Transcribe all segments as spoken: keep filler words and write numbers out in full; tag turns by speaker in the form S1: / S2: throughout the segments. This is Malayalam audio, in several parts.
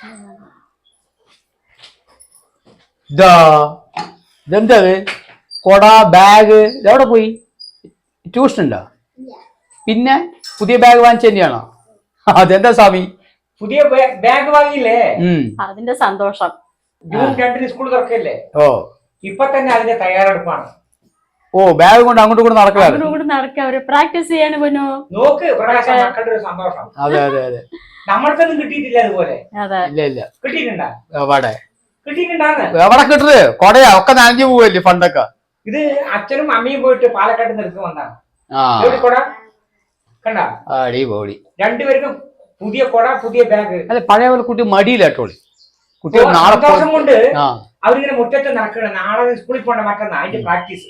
S1: ഇതാ ഇതെന്തത് കൊട ബാഗ് ഇതെവിടെ പോയി? ട്യൂഷൻ ഉണ്ടോ? പിന്നെ പുതിയ ബാഗ് വാങ്ങിച്ച തന്നെയാണോ? അതെന്താ സ്വാമി
S2: പുതിയ ബാഗ് വാങ്ങിയില്ലേ?
S3: അതിന്റെ സന്തോഷം.
S2: ജൂൺ രണ്ടിന് സ്കൂൾ തുറക്കല്ലേ?
S1: ഓ
S2: ഇപ്പൊ തന്നെ അതിന്റെ തയ്യാറെടുപ്പാണ്.
S1: ഓ ബാഗ് കൊണ്ട് അങ്ങോട്ട് കൂടെ നടക്കാറ്
S3: നടക്കുക പ്രാക്ടീസ് ചെയ്യാണ് പൊന്നു.
S2: നോക്ക് പ്രകാശം, മക്കളുടെ ഒരു സന്തോഷം.
S1: അതെ അതെ അതെ
S2: നമ്മൾക്കൊന്നും കിട്ടിയിട്ടില്ല അതുപോലെ.
S1: ഇല്ല ഇല്ല
S2: കിട്ടിയിട്ടുണ്ടാ?
S1: എവിടെ
S2: കിട്ടിയിട്ടുണ്ടാന്ന്
S1: എവിടെ കിട്ടത്? കൊടയാ ഒക്കെ നനഞ്ഞു പോവല്ലേ ഫണ്ടൊക്കെ.
S2: ഇത് അച്ഛനും അമ്മയും പോയിട്ട് പാലക്കാട്ട് നിർത്തി വന്നാണ്. കൊട കണ്ട
S1: അടിപൊളി.
S2: രണ്ടുപേർക്കും പുതിയ കൊട, പുതിയ ബാഗ്.
S1: അല്ല പഴയ പോലെ കുട്ടി മടിയില്ലാട്ടോളി. കുട്ടികൾ
S2: സന്തോഷം കൊണ്ട് അവരിങ്ങനെ മുറ്റത്ത് നടക്കണം. നാളെ സ്കൂളിൽ പോകണ്ട, മറ്റന്നാ അതിന്റെ പ്രാക്ടീസ്.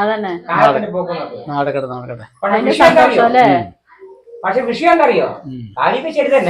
S2: പക്ഷെ വിഷയം എന്തറിയോ? കാര്യമൊക്കെ ശരി തന്നെ.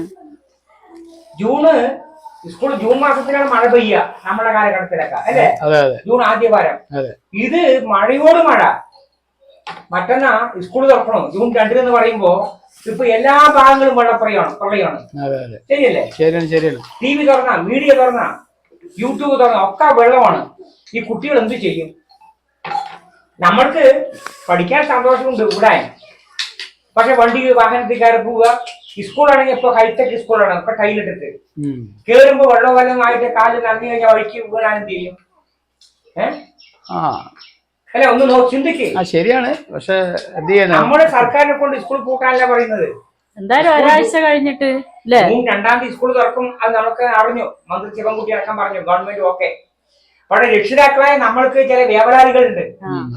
S2: ജൂണ് സ്കൂൾ ജൂൺ മാസത്തിലാണ് മഴ പെയ്യുക നമ്മുടെ കാലഘട്ടത്തിലൊക്കെ അല്ലേ? ജൂൺ ആദ്യ വാരം. ഇത് മഴയോട് മഴ. മറ്റന്നാ സ്കൂൾ തുറക്കണോ ജൂൺ രണ്ടിനെന്ന് പറയുമ്പോ ഇപ്പൊ എല്ലാ ഭാഗങ്ങളും വെള്ളപ്രയാണ് പ്രളയമാണ്. ശരിയല്ലേ? ടി വി തുറന്ന, മീഡിയ തുറന്ന, യൂട്യൂബ് തുറന്ന ഒക്കെ വെള്ളമാണ്. ഈ കുട്ടികൾ എന്ത് ചെയ്യും? നമ്മൾക്ക് പഠിക്കാൻ സന്തോഷമുണ്ട് ഇവിടെ. പക്ഷെ വണ്ടി വാഹനത്തിൽ കയറി പോവുക. സ്കൂളാണെങ്കിൽ ഇപ്പൊ ഹൈടെക് സ്കൂളാണ്. ഇപ്പൊ ടൈലിട്ടിട്ട് കേറുമ്പോ വെള്ളം വല്ലതും ആയിട്ട് കാല് നന്ദി കഴിഞ്ഞാൽ വഴിക്ക് വീണാൻ എന്ത് ചെയ്യും? ഏഹ് അല്ലെ? ഒന്ന് നോ ചിന്തിക്ക്.
S1: ശരിയാണ്. പക്ഷെ
S2: നമ്മുടെ സർക്കാരിനെ കൊണ്ട് സ്കൂൾ പൂട്ടാനല്ല പറയുന്നത്.
S3: എന്തായാലും ഒരാഴ്ച കഴിഞ്ഞിട്ട്
S2: രണ്ടാം തീയതി സ്കൂൾ തുറക്കും. അത് നമുക്ക് അറിഞ്ഞു. മന്ത്രി ശിവൻകുട്ടി അടക്കം പറഞ്ഞു. Government okay. പക്ഷെ രക്ഷിതാക്കളായ നമ്മൾക്ക് ചില വ്യാപാരികളുണ്ട്.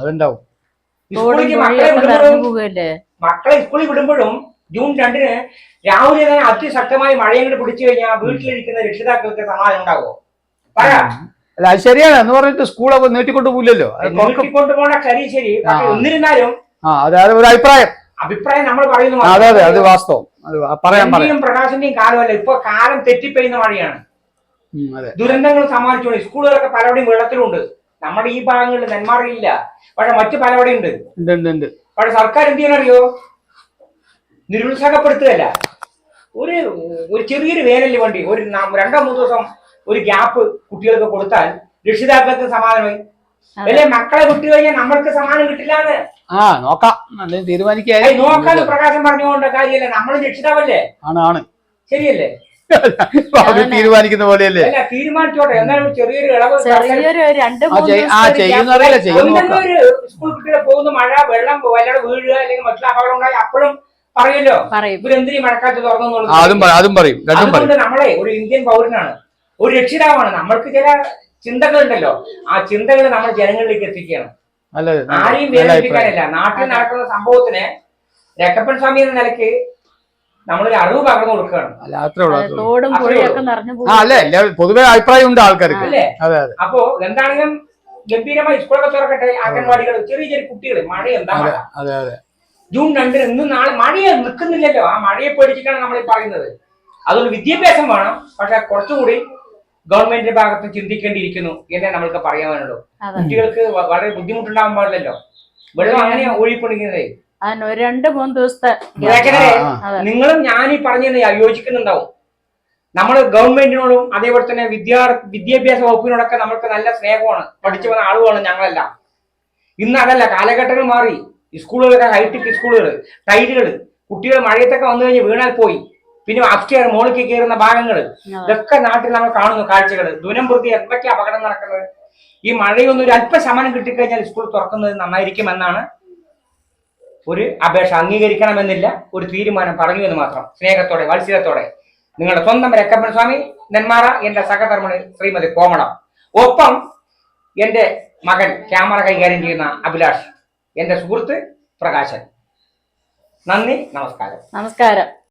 S2: മക്കളെ സ്കൂളിൽ വിടുമ്പോഴും ജൂൺ രണ്ടിന് രാവിലെ തന്നെ അതിശക്തമായി മഴയങ്ങോട്ട് പിടിച്ചു കഴിഞ്ഞാൽ വീട്ടിലിരിക്കുന്ന രക്ഷിതാക്കൾക്ക് സമാധാനം ഉണ്ടാകുമോ? പറയാ
S1: അല്ല അത് ശരിയാണ് എന്ന് പറഞ്ഞിട്ട് സ്കൂളൊക്കെ നീട്ടിക്കൊണ്ട് പോകില്ലല്ലോ.
S2: നീട്ടിക്കൊണ്ട് പോകണ ശരി ശരി. എന്നിരുന്നാലും
S1: ഒരു അഭിപ്രായം
S2: അഭിപ്രായം നമ്മൾ പറയുന്നു.
S1: അതെ അതെ അത് വാസ്തവം.
S2: എന്റെയും പ്രകാശന്റെയും കാലമല്ല. ഇപ്പൊ കാലം തെറ്റിപ്പെയ്യുന്ന മഴയാണ്. ദുരന്തങ്ങൾ സമ്മാനിച്ചുകൊണ്ട് സ്കൂളുകളൊക്കെ പലവിടെയും വെള്ളത്തിലുണ്ട്. നമ്മുടെ ഈ ഭാഗങ്ങളിൽ നെന്മാറയില്ല. പക്ഷെ മറ്റു പലവിടെയും ഉണ്ട്. പക്ഷെ സർക്കാർ എന്ത് ചെയ്യാനറിയോ? നിരുത്സാഹപ്പെടുത്തുകയല്ല. ഒരു ഒരു ചെറിയൊരു വേനലിന് വേണ്ടി ഒരു രണ്ടോ മൂന്നോ ദിവസം ഒരു ഗ്യാപ്പ് കുട്ടികൾക്ക് കൊടുത്താൽ രക്ഷിതാക്കൾക്ക് സമാധാനമായി. അല്ലെ മക്കളെ വിട്ടു കഴിഞ്ഞാൽ നമ്മൾക്ക് സമാധാനം കിട്ടില്ലാന്ന്
S1: തീരുമാനിക്കാൻ
S2: നോക്കാന്ന് പ്രകാശം പറഞ്ഞുകൊണ്ട് കാര്യമല്ല. നമ്മൾ രക്ഷിതാവല്ലേ?
S1: ആണ്
S2: ശരിയല്ലേ?
S1: തീരുമാനിക്കുന്ന പോലെയല്ലേ?
S2: അല്ല തീരുമാനിച്ചോട്ടെ. എന്നാലും ചെറിയൊരു ഇളവ് സ്കൂൾ കുട്ടികളെ പോകുന്ന മഴ വെള്ളം വല്ലാതെ വീഴുക അല്ലെങ്കിൽ മറ്റുള്ള അപകടം ഉണ്ടായി അപ്പോഴും പറയല്ലോ ഇവരെന്തിനീ മഴക്കാലത്ത് തുറന്നുള്ളത്. അതുകൊണ്ട് നമ്മളെ ഒരു ഇന്ത്യൻ പൗരനാണ്, ഒരു രക്ഷിതാവാണ്. നമ്മൾക്ക് ചില ചിന്തകളുണ്ടല്ലോ. ആ ചിന്തകൾ നമ്മൾ ജനങ്ങളിലേക്ക് എത്തിക്കണം. ആരെയും വേദനിപ്പിക്കാനല്ല. നാട്ടിൽ നടക്കുന്ന സംഭവത്തിന് രക്കപ്പൻ സ്വാമി എന്ന നിലയ്ക്ക് നമ്മളൊരു അറിവ് പകർന്നു കൊടുക്കുകയാണ്.
S1: പൊതുവെ അഭിപ്രായം ഉണ്ട് ആൾക്കാർക്ക്
S2: അല്ലേ? അപ്പോ എന്താണെങ്കിലും ഗംഭീരമായി സ്കൂളൊക്കെ തുറക്കട്ടെ. അംഗൻവാടികൾ, ചെറിയ ചെറിയ കുട്ടികൾ. മഴ എന്താ മഴ? ജൂൺ രണ്ടിന് ഇന്നും നാളെ മഴയെ നിൽക്കുന്നില്ലല്ലോ. ആ മഴയെ പേടിച്ചിട്ടാണ് നമ്മൾ പറയുന്നത്. അതുകൊണ്ട് വിദ്യാഭ്യാസം വേണം. പക്ഷെ കുറച്ചുകൂടി ഗവൺമെന്റിന്റെ ഭാഗത്ത് ചിന്തിക്കേണ്ടിയിരിക്കുന്നു എന്നേ നമ്മൾക്ക് പറയാനുള്ളൂ. കുട്ടികൾക്ക് വളരെ ബുദ്ധിമുട്ടുണ്ടാവാൻ പാടില്ലല്ലോ. വെള്ളം അങ്ങനെയാ ഒഴുകിക്കൊണ്ടിരിക്കുന്നത്.
S3: രണ്ട് മൂന്ന് ദിവസത്തെ
S2: നിങ്ങളും ഞാൻ ഈ പറഞ്ഞതിന് യോജിക്കുന്നുണ്ടാവും. നമ്മൾ ഗവൺമെന്റിനോടും അതേപോലെ തന്നെ വിദ്യാ വിദ്യാഭ്യാസ വകുപ്പിനോടൊക്കെ നമ്മൾക്ക് നല്ല സ്നേഹമാണ്. പഠിച്ചു വന്ന ആളുകളാണ് ഞങ്ങളെല്ലാം. ഇന്ന് അതല്ല, കാലഘട്ടങ്ങൾ മാറി. സ്കൂളുകളൊക്കെ ഹൈടെക് സ്കൂളുകൾ, ടൈലുകൾ. കുട്ടികൾ മഴയത്തൊക്കെ വന്നു കഴിഞ്ഞ് വീണാൽ പോയി. പിന്നെ അപ്സ്റ്റെയർ മോളിലേക്ക് കയറുന്ന ഭാഗങ്ങൾ, ഇതൊക്കെ നാട്ടിൽ നമ്മൾ കാണുന്നു കാഴ്ചകൾ. ദുരംപ്രതി എന്തൊക്കെ അപകടം നടക്കുന്നത്. ഈ മഴയൊന്നും ഒരു അല്പശമനം കിട്ടിക്കഴിഞ്ഞാൽ സ്കൂൾ തുറക്കുന്നത് നന്നായിരിക്കും എന്നാണ് ഒരു അപേക്ഷ. അംഗീകരിക്കണമെന്നില്ല, ഒരു തീരുമാനം പറഞ്ഞു എന്ന് മാത്രം. സ്നേഹത്തോടെ വാത്സല്യത്തോടെ നിങ്ങളുടെ സ്വന്തം രക്കപ്പൻ സ്വാമി, നെന്മാറ. എന്റെ സഹധർമ്മണി ശ്രീമതി കോമളം. ഒപ്പം എന്റെ മകൻ ക്യാമറ കൈകാര്യം ചെയ്യുന്ന അഭിലാഷ്, എന്റെ സുഹൃത്ത് പ്രകാശൻ. നന്ദി, നമസ്കാരം.
S3: നമസ്കാരം.